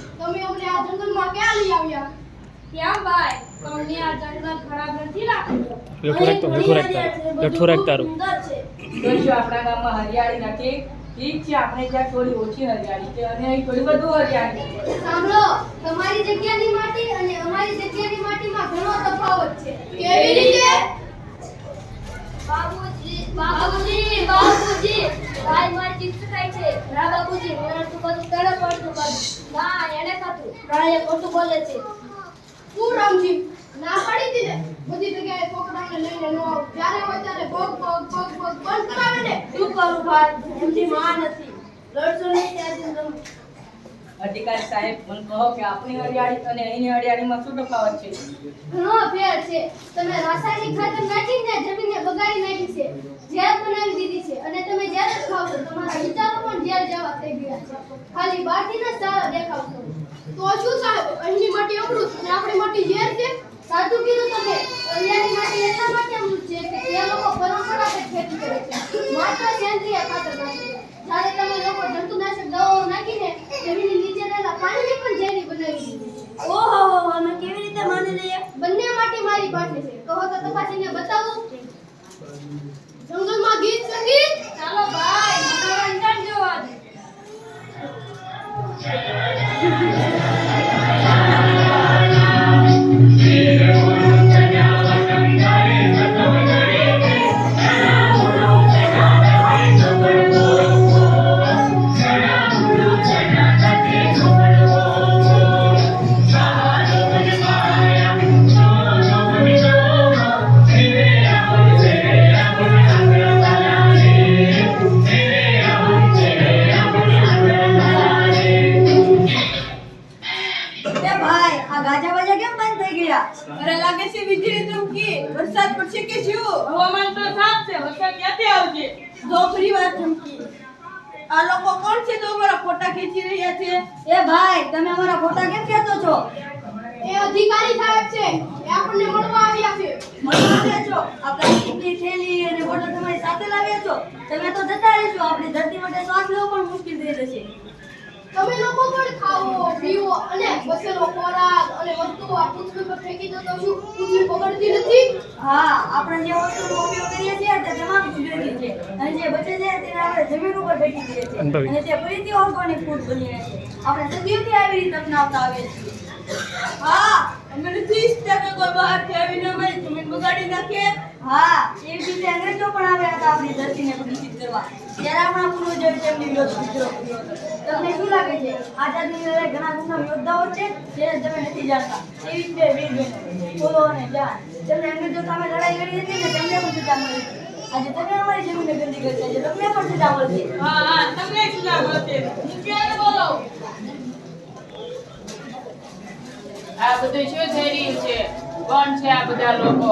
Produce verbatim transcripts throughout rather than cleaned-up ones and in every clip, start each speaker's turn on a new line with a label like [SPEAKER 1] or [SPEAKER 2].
[SPEAKER 1] તમે અમને આ જંગલમાં ક્યાં લઈ આવ્યા?
[SPEAKER 2] ક્યાં ભાઈ, તમને આ જંગલ ખરાબ નથી લાગતું?
[SPEAKER 3] બેઠું રાખતો બેઠું રાખતા બેઠું રાખ તારું.
[SPEAKER 4] જોઈશું આપણા ગામમાં હરિયાળી નથી. ઠીક છે, આપણે ત્યાં થોડી ઓછી હરિયાળી છે અને અહીં થોડી વધુ હરિયાળી છે.
[SPEAKER 1] સાંભળો, તમારી જગ્યાની માટી અને અમારી જગ્યાની માટીમાં ઘણો તફાવત છે. કેવી રીતે?
[SPEAKER 2] બાબુજી બાબુજી બાબુજી ભાઈ મારી ચિત્ત થાય છે. ના બાબુજી, મને તો બધું તડે પડતું બધું. ના એને ખાતું. ના એ ખોટું બોલે છે.
[SPEAKER 1] હું રામજી ના પાડી દીધે બધી જગ્યાએ છોકરાને લઈને ન આવ. જ્યારે હોય ત્યારે ભોગ ભોગ ભોગ ભોગ બંધ કરાવે ને.
[SPEAKER 2] શું કરું ભાઈ, એમની માં નથી. લડશો નહીં ત્યાં સુધી તમે.
[SPEAKER 4] અધિકારી સાહેબ, મને કહો કે આપણી હરિયાળી અને અહીંની હરિયાળીમાં શું તફાવત છે?
[SPEAKER 1] ઘણો ફેર છે. તમે રાસાયણિક ખાતર નાખીને જમીનને બગાડી નાખી છે, ઝેર બનાવી દીધી છે અને તમે ઝેર જ ખાવ છો. તમારા વિચારો પણ ઝેર જેવા થઈ ગયા છે. ખાલી બહારથી જ સારા દેખાવ છો. તો શું સાહેબ, અહીંની માટી અમૃત અને આપણી માટી ઝેર છે? સાચું કીધું તમે. અહીંયાની માટી એટલા માટે અમૃત છે કે તે લોકો પરંપરાગત ખેતી કરે છે, માત્ર સેન્દ્રિય ખાતર નાખે છે. જ્યારે તમે લોકો જંતુનાશક દવાઓ નાખીને જમીનની નીચે રહેલા પાણીને પણ ઝેરી બનાવી દીધું છે.
[SPEAKER 2] ઓહો, અમે કેવી રીતે માની લઈએ?
[SPEAKER 1] બંને માટી મારી પાસે છે. કહો તો તપાસીને બતાવું. જંગલમાં ગીત સંગીત.
[SPEAKER 2] ચાલો ભાઈ, મનોરંજન જોવા દે.
[SPEAKER 5] અરે લાગે છે વીજળી ચમકી. વરસાદ પડશે કે શું?
[SPEAKER 4] હવામાન તો સાફ છે, વરસાદ ક્યાંથી આવશે?
[SPEAKER 5] ધોપરી વાત ચમકી. આ લોકો કોણ છે તો અમારા ફોટા ખેંચી રહ્યા છે?
[SPEAKER 2] એ ભાઈ, તમે અમારા ફોટા કેમ ખેંચો છો?
[SPEAKER 1] એ અધિકારી સાહેબ છે. એ આપણને મળવા આવ્યા છે.
[SPEAKER 2] મળવા આવ્યા છો? આ પ્લાસ્ટિકની થેલી અને બોટલ તમારી સાથે લાવ્યા છો? તમે તો જતા રહેશો. આપણી ધરતી માટે શ્વાસ લેવો પણ મુશ્કેલ થઈ જશે.
[SPEAKER 1] તમે લોકો પણ ખાવો, પીવો અને બચેલો ખોરાક અને વસ્તુઓ આ પૃથ્વી પર ફેંકી દો તો શું પૃથ્વી બગડતી નથી?
[SPEAKER 2] હા, આપણે જે વસ્તુનો ઉપયોગ કરીએ છીએ તે તમામ કુદરતી છે અને જે બચે છે તેને આપણે જમીન ઉપર ફેંકી દઈએ છીએ અને તે ફરીથી ઓર્ગેનિક ફૂડ બની રહે છે. આપણે સદીઓથી આવી રીતે અપનાવતા આવીએ છીએ.
[SPEAKER 5] હા, અમે નથી ઈચ્છતા કે કોઈ બહારથી આવીને અમારી જમીન બગાડી નાખે.
[SPEAKER 2] હા, એવી રીતે અંગ્રેજો પણ આવ્યા હતા આપણી ધરતીને પ્રદૂષિત કરવા. ત્યારે આપણા પૂર્વજોએ તેમની વિરોધ વિદ્રોહ કર્યો હતો. તમને શું લાગે છે, આઝાદીની લડાઈ ઘણા ગુના યોદ્ધાઓ છે જેને તમે નથી જાણતા? એવી જ બે વીર બહેનો, ફૂલો અને જાન, જેમણે અંગ્રેજો સામે લડાઈ લડી હતી ને તેમને પણ સજા મળી હતી. આજે તમે અમારી જમીનને ગંદી કરતા છે, તમને પણ સજા મળશે.
[SPEAKER 4] હા હા, તમને સજા મળશે. મુખ્યને બોલો. આ બધું શું થઈ રહ્યું છે? કોણ છે આ બધા લોકો?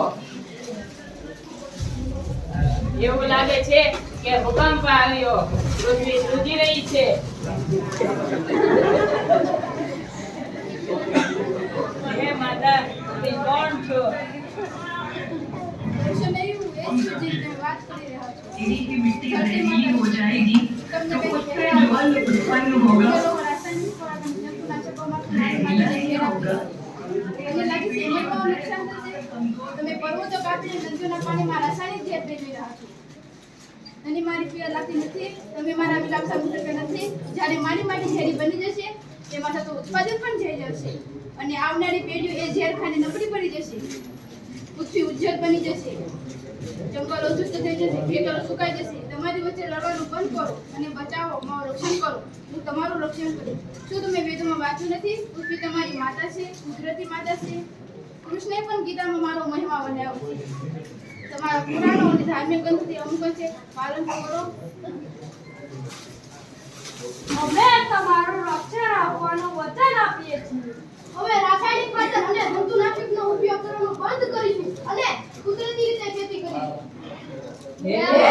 [SPEAKER 4] એવું લાગે છે કે ભૂકંપ આવ્યો, પૃથ્વી ધ્રુજી રહી છે. હે માતા, તમે કોણ છો?
[SPEAKER 1] દર્શન નહીં, હું એ જ છું જેની તમે વાત કરી રહ્યા છો.
[SPEAKER 6] तेरी की मिट्टी गंदी हो जाएगी तो उससे जल उत्पन्न होगा
[SPEAKER 1] રાસાયણિક ખોરાક અને જંતુનાશકોમાં ખાઈ હોगा. તમને લાગે છે એને પણ નુકસાન થશે? તમે પર્વતો કાપીને નદીઓના પાણીમાં રાસાયણિક ઝેર ભેળવી રહ્યા છો. અને મારી પીડા લાગતી નથી. તમે મારા વિલાપ સામુ કરતા નથી. જ્યારે મારી માટી ઝેરી બની જશે, તેમાં થતું ઉત્પાદન પણ જઈ જશે અને આવનારી પેઢીઓ એ ઝેર ખાને નબળી પડી જશે. પૃથ્વી ઉજ્જડ બની જશે, જંગલો શુદ્ધ થઈ જશે, ખેતરો સુકાઈ જશે. તમારી વચ્ચે લડવાનું બંધ કરો અને બચાવો, મારું રક્ષણ કરો. હું તમારું રક્ષણ કરીશ. શું તમે વેદોમાં વાંચ્યું નથી? પૃથ્વી તમારી માતા છે, કુદરતી માતા છે. કૃષ્ણે પણ ગીતામાં મારો મહિમા વર્ણવ્યો છે. તમારા પુરાણો અને ધાર્મિક ગ્રંથોથી અમુક છે, પાલન કરો.
[SPEAKER 2] અમે તમારું રક્ષણ આપવાનું વચન આપીએ છીએ.
[SPEAKER 1] હવે રાસાયણિક ખાતર અને જંતુનાશકનો ઉપયોગ કરવાનું બંધ કરીશું અને કુદરતી રીતે ખેતી કરીશું.
[SPEAKER 4] હે